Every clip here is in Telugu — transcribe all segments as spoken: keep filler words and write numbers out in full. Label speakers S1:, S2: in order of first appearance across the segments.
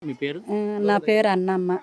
S1: మీ పేరు?
S2: నా పేరు అన్నమ్మ.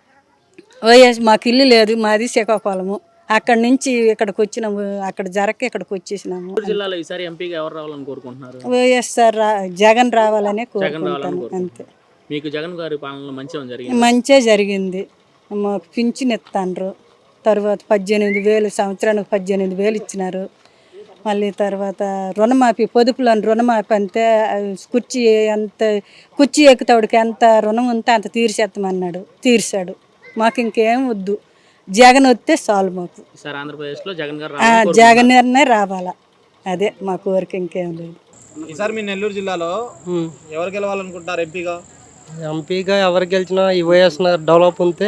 S2: వైఎస్ మాకు ఇల్లు లేదు, మాది శ్రీకాకుళము. అక్కడి నుంచి ఇక్కడికి వచ్చినాము, అక్కడ జరగక ఇక్కడికి వచ్చేసినాము.
S1: జిల్లాలో ఈసారి ఎంపీగా ఎవరు రావాలని కోరుకుంటున్నారు?
S2: వైఎస్ఆర్ జగన్ రావాలనే కోరుకుంటాను అంతే.
S1: మీకు జగన్ గారి పాలనలో మంచిగా జరిగింది?
S2: మంచిగా జరిగింది. మాకు పింఛన్ ఇస్తాండ్రు, తర్వాత పద్దెనిమిది వేలు సంవత్సరానికి పద్దెనిమిది వేలు ఇచ్చినారు. మళ్ళీ తర్వాత రుణమాఫీ, పొదుపులోని రుణమాఫీ అంతే, కుర్చీ ఎంత కుర్చీ ఎక్కుతాడికి ఎంత రుణం ఉంటే అంత తీర్చేస్తామన్నాడు, తీర్చాడు. మాకు ఇంకేం వద్దు, జగన్ వస్తే చాలు మాకు.
S1: సార్ ఆంధ్రప్రదేశ్లో జగన్ గారు
S2: జగన్ రావాలా, అదే మా కోరిక, ఇంకేం లేదు.
S3: ఈసారి మీ నెల్లూరు జిల్లాలో ఎవరు గెలవాలనుకుంటారు ఎంపీగా?
S4: ఎంపీగా ఎవరు గెలిచినా ఈ వైఎస్ నగర్ డెవలప్ ఉంటే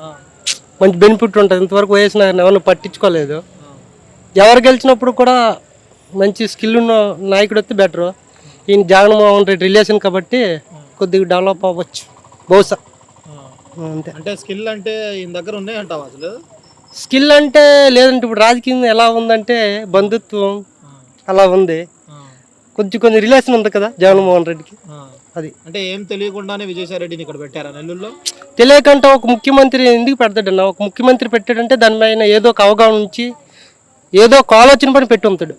S4: మంచి బెనిఫిట్ ఉంటుంది. ఇంతవరకు వైఎస్ నగర్ని ఎవరిని పట్టించుకోలేదు. ఎవరు గెలిచినప్పుడు కూడా మంచి స్కిల్ ఉన్న నాయకుడు వస్తే బెటరు. ఈయన జగన్మోహన్ రెడ్డి రిలేషన్ కాబట్టి కొద్దిగా డెవలప్ అవ్వచ్చు బహుశా, అంతే.
S3: అంటే స్కిల్ అంటే ఈయన దగ్గర ఉన్నాయంటావా? అసలు
S4: స్కిల్ అంటే లేదంటే ఇప్పుడు రాజకీయం ఎలా ఉందంటే బంధుత్వం అలా ఉంది, కొంచెం కొంచెం రిలేషన్ ఉంది కదా జగన్మోహన్ రెడ్డికి. అది
S3: అంటే ఏం తెలియకుండానే విజయసాయి రెడ్డిని ఇక్కడ పెట్టారా నెల్లూరులో?
S4: తెలియకంటే ఒక ముఖ్యమంత్రి ఎందుకు పెడతాడన్న, ఒక ముఖ్యమంత్రి పెట్టాడంటే దానిపైన ఏదో ఒక అవగాహన ఉంచి ఏదో ఒక ఆలోచన పని పెట్టి ఉంటాడు.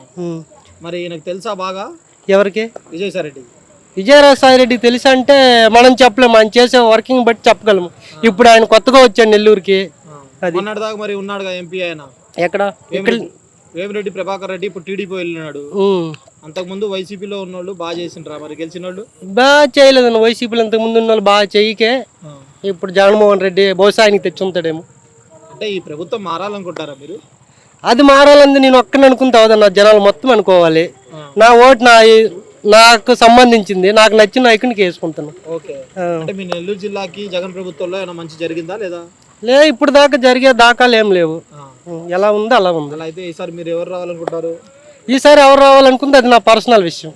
S3: మరి నాకు తెలుసా బాగా?
S4: ఎవరికి?
S3: విజయసాయి రెడ్డి.
S4: విజయసాయి రెడ్డి తెలుసా అంటే మనం చెప్పలేము, ఆయన చేసే వర్కింగ్ బట్టి చెప్పగలము. ఇప్పుడు ఆయన కొత్తగా వచ్చాడు నెల్లూరుకి.
S3: అది దాకా మరి ఉన్నాడుగా ఎంపీ ఆయన
S4: ఎక్కడ?
S3: వేమిరెడ్డి ప్రభాకర్ రెడ్డి ఇప్పుడు టీడీపీ వెళ్ళినాడు. అంతకుముందు వైసీపీలో ఉన్నోళ్ళు బాగా చేసిండ్రా మరి గెలిచిన వాళ్ళు?
S4: బాగా చేయలేదన్న వైసీపీలో ఇంతకు ముందు ఉన్న వాళ్ళు బాగా చేయకే ఇప్పుడు జగన్మోహన్ రెడ్డి బహుశా ఆయనకి తెచ్చి ఉంటాడేమో.
S3: అంటే ఈ ప్రభుత్వం మారాలనుకుంటారా మీరు?
S4: అది మారాలని నేను ఒక్కని అనుకుంటా అవుదన్న, జనాలు మొత్తం అనుకోవాలి. నా ఓటు నా నాకు సంబంధించింది, నాకు నచ్చిన నాయకునికి వేసుకుంటాను.
S3: ఓకే. అంటే మీ నెల్లూరు జిల్లాకి జగన్ ప్రభుత్వంలో ఏమైనా మంచి జరిగిందా లేదా?
S4: లే, ఇప్పుడు దాకా జరిగే దాఖలు ఏం లేవు. ఎలా ఉందో అలా ఉంది.
S3: అలా అయితే ఈసారి మీరు ఎవరు రావాలనుకుంటారు?
S4: ఈసారి ఎవరు రావాలనుకుంటే అది నా పర్సనల్ విషయం,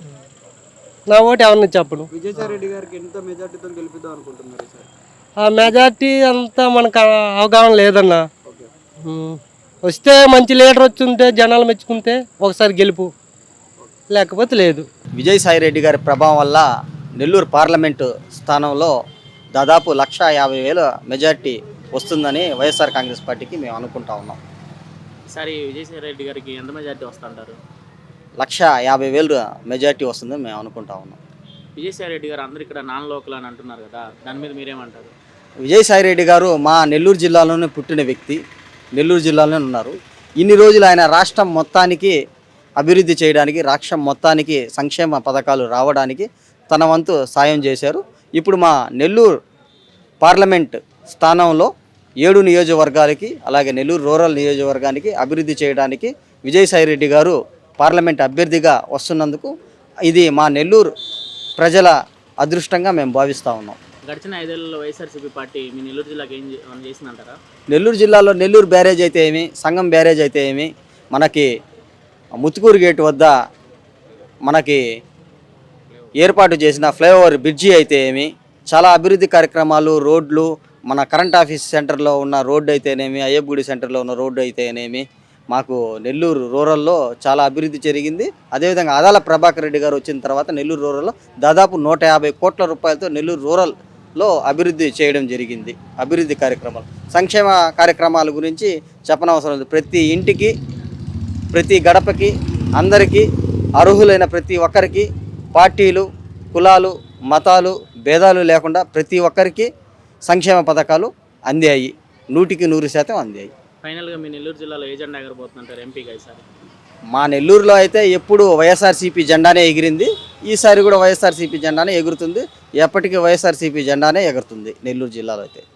S4: నా ఓటు ఎవరిని చెప్పను.
S3: విజయసాయి రెడ్డి గారికి ఎంత మెజార్టీతో గెలిపిద్దాం అనుకుంటున్నారు సార్?
S4: ఆ మెజార్టీ అంతా మనకు అవగాహన లేదన్న. వస్తే మంచి లీడర్ వచ్చి ఉంటే జనాలు మెచ్చుకుంటే ఒకసారి గెలుపు, లేకపోతే లేదు.
S5: విజయసాయి రెడ్డి గారి ప్రభావం వల్ల నెల్లూరు పార్లమెంటు స్థానంలో దాదాపు లక్ష యాభై వేల మెజార్టీ వస్తుందని వైఎస్ఆర్ కాంగ్రెస్ పార్టీకి మేము అనుకుంటా ఉన్నాం.
S1: సరే, విజయసాయి రెడ్డి గారికి ఎంత మెజార్టీ వస్తుంటారు?
S5: లక్ష యాభై వేలు మెజార్టీ వస్తుందని మేము అనుకుంటా ఉన్నాం.
S1: విజయసాయి రెడ్డి గారు అందరూ ఇక్కడ నాన్ లోకల్ అని అంటున్నారు కదా, దాని మీద మీరేమంటారు?
S5: విజయసాయి రెడ్డి గారు మా నెల్లూరు జిల్లాలోనే పుట్టిన వ్యక్తి, నెల్లూరు జిల్లాలోనే ఉన్నారు. ఇన్ని రోజులు ఆయన రాష్ట్రం మొత్తానికి అభివృద్ధి చేయడానికి, రాష్ట్రం మొత్తానికి సంక్షేమ పథకాలు రావడానికి తన వంతు సాయం చేశారు. ఇప్పుడు మా నెల్లూరు పార్లమెంట్ స్థానంలో ఏడు నియోజకవర్గాలకి, అలాగే నెల్లూరు రూరల్ నియోజకవర్గానికి అభివృద్ధి చేయడానికి విజయసాయి రెడ్డి గారు పార్లమెంట్ అభ్యర్థిగా వస్తున్నందుకు ఇది మా నెల్లూరు ప్రజల అదృష్టంగా మేము భావిస్తూ ఉన్నాం.
S1: గడిచిన ఐదేళ్లలో వైఎస్ఆర్సీపీ పార్టీ మీ నెల్లూరు జిల్లాకి ఏం చేసిందంటారా?
S5: నెల్లూరు జిల్లాలో నెల్లూరు బ్యారేజ్ అయితే ఏమి, సంగం బ్యారేజ్ అయితే ఏమి, మనకి ముత్తుకూరు గేటు వద్ద మనకి ఏర్పాటు చేసిన ఫ్లైఓవర్ బ్రిడ్జి అయితే ఏమి, చాలా అభివృద్ధి కార్యక్రమాలు, రోడ్లు, మన కరెంట్ ఆఫీస్ సెంటర్లో ఉన్న రోడ్డు అయితేనేమి, అయ్యప్పగుడి సెంటర్లో ఉన్న రోడ్డు అయితేనేమి, మాకు నెల్లూరు రూరల్లో చాలా అభివృద్ధి జరిగింది. అదేవిధంగా ఆదాల ప్రభాకర్ రెడ్డి గారు వచ్చిన తర్వాత నెల్లూరు రూరల్లో దాదాపు నూట యాభై కోట్ల రూపాయలతో నెల్లూరు రూరల్లో అభివృద్ధి చేయడం జరిగింది. అభివృద్ధి కార్యక్రమాలు, సంక్షేమ కార్యక్రమాల గురించి చెప్పనవసరం లేదు. ప్రతి ఇంటికి, ప్రతి గడపకి, అందరికీ, అర్హులైన ప్రతి ఒక్కరికి, పార్టీలు, కులాలు, మతాలు, భేదాలు లేకుండా ప్రతి ఒక్కరికి సంక్షేమ పథకాలు అందాయి. నూటికి నూరు శాతం అందాయి.
S1: ఫైనల్గా మీ నెల్లూరు జిల్లాలో ఏ జెండా ఎగరబోతుందంటారు ఎంపీగా ఈసారి?
S5: మా నెల్లూరులో అయితే ఎప్పుడు వైఎస్ఆర్సీపీ జెండానే ఎగిరింది, ఈసారి కూడా వైఎస్ఆర్సీపీ జెండానే ఎగురుతుంది. ఎప్పటికీ వైఎస్ఆర్సీపీ జెండానే ఎగురుతుంది నెల్లూరు జిల్లాలో అయితే.